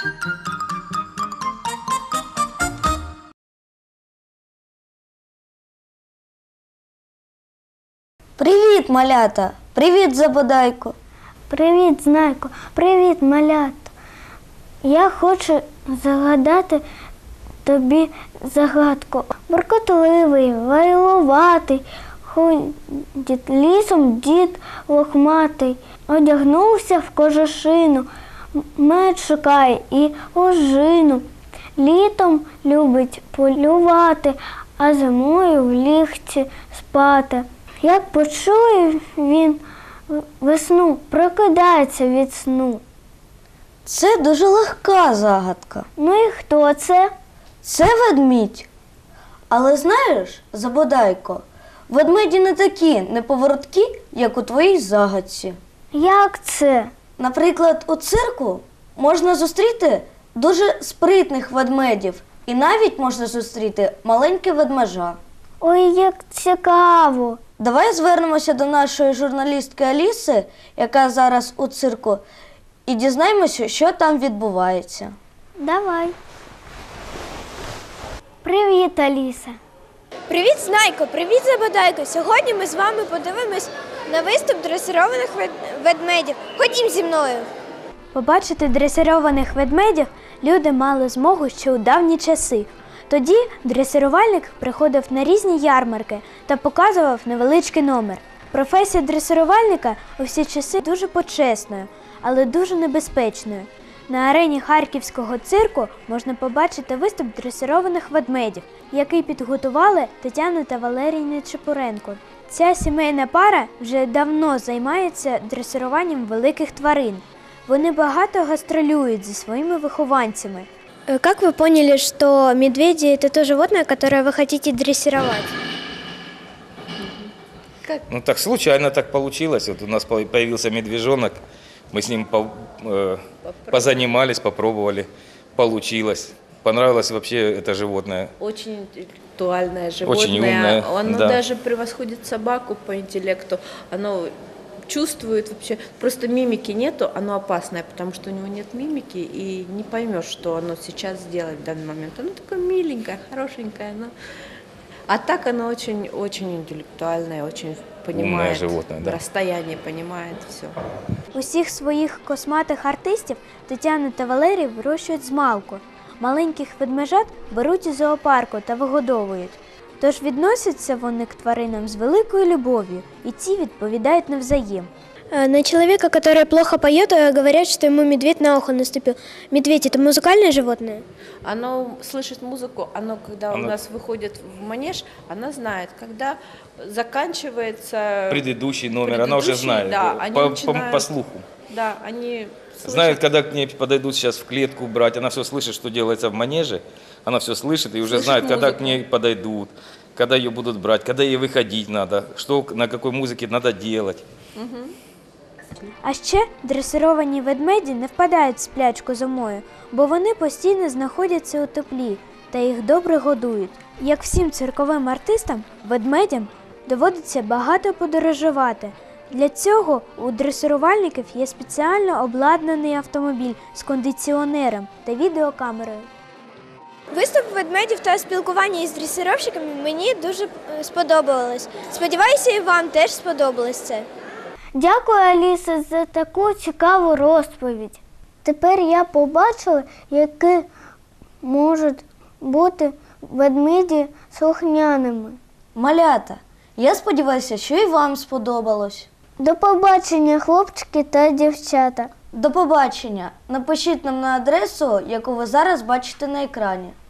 Привіт, малята! Привіт, Забодайко! Привіт, Знайко! Привіт, малята! Я хочу загадати тобі загадку. Буркотливий, вайлуватий, ходить лісом дід лохматий, одягнувся в кожушину, мед шукає і ожину. Літом любить полювати, а зимою в лігці спати. Як почує він весну, прокидається від сну. Це дуже легка загадка. Ну і хто це? Це ведмідь. Але знаєш, Забодайко, ведмеді не такі неповороткі, як у твоїй загадці. Як це? Наприклад, у цирку можна зустріти дуже спритних ведмедів. І навіть можна зустріти маленьке ведмежа. Ой, як цікаво! Давай звернемося до нашої журналістки Аліси, яка зараз у цирку, і дізнаємося, що там відбувається. Давай. Привіт, Аліса. Привіт, Знайко! Привіт, Забодайко! Сьогодні ми з вами подивимось на виступ дресированих ведмедів. Ходім зі мною! Побачити дресированих ведмедів люди мали змогу ще у давні часи. Тоді дресирувальник приходив на різні ярмарки та показував невеличкий номер. Професія дресирувальника у всі часи дуже почесною, але дуже небезпечною. На арені Харківського цирку можна побачити виступ дресированих ведмедів, який підготували Тетяна та Валерій Нечипоренко. Ця сімейна пара вже давно займається дресируванням великих тварин. Вони багато гастролюють зі своїми вихованцями. Как вы поняли, что медведи – это то животное, которое вы хотите дрессировать? Ну так случайно так получилось. Вот у нас появился медвежонок, мы с ним позанимались, попробовали, получилось. Понравилось вообще это животное. Очень интеллектуальное животное. Очень умное, Оно да. даже превосходит собаку по интеллекту. Оно чувствует вообще, просто мимики нету, оно опасное, потому что у него нет мимики, и не поймешь, что оно сейчас сделает в данный момент. Оно такое миленькое, хорошенькое, а так оно очень интеллектуальное, очень понимает животное, да. расстояние, понимает все. Усіх своїх косматих артистів Тетяна та Валерій вирощують змалку. Маленьких ведмежат беруть із зоопарку та вигодовують. Тож відносяться вони к тваринам з великою любов'ю, і ці відповідають навзаєм. На человека, который плохо поет, говорят, что ему медведь на ухо наступил. Медведь – это музыкальное животное? Оно слышит музыку, когда у нас выходит в манеж, она знает, когда заканчивается Предыдущий номер, она уже знает, да, по слуху. Да, они слышат. Знает, когда к ней подойдут сейчас в клетку брать, она все слышит, что делается в манеже, она все слышит и уже знает, когда к ней подойдут, когда ее будут брать, когда ей выходить надо, что на какой музыке надо делать. Угу. А ще дресировані ведмеді не впадають в сплячку зимою, бо вони постійно знаходяться у теплі та їх добре годують. Як всім цирковим артистам, ведмедям доводиться багато подорожувати. Для цього у дресирувальників є спеціально обладнаний автомобіль з кондиціонером та відеокамерою. Виступ ведмедів та спілкування із дресировщиками мені дуже сподобалось. Сподіваюся, і вам теж сподобалось це. Дякую, Аліса, за таку цікаву розповідь. Тепер я побачила, які можуть бути ведмеді слухняними. Малята, я сподіваюся, що і вам сподобалось. До побачення, хлопчики та дівчата. До побачення. Напишіть нам на адресу, яку ви зараз бачите на екрані.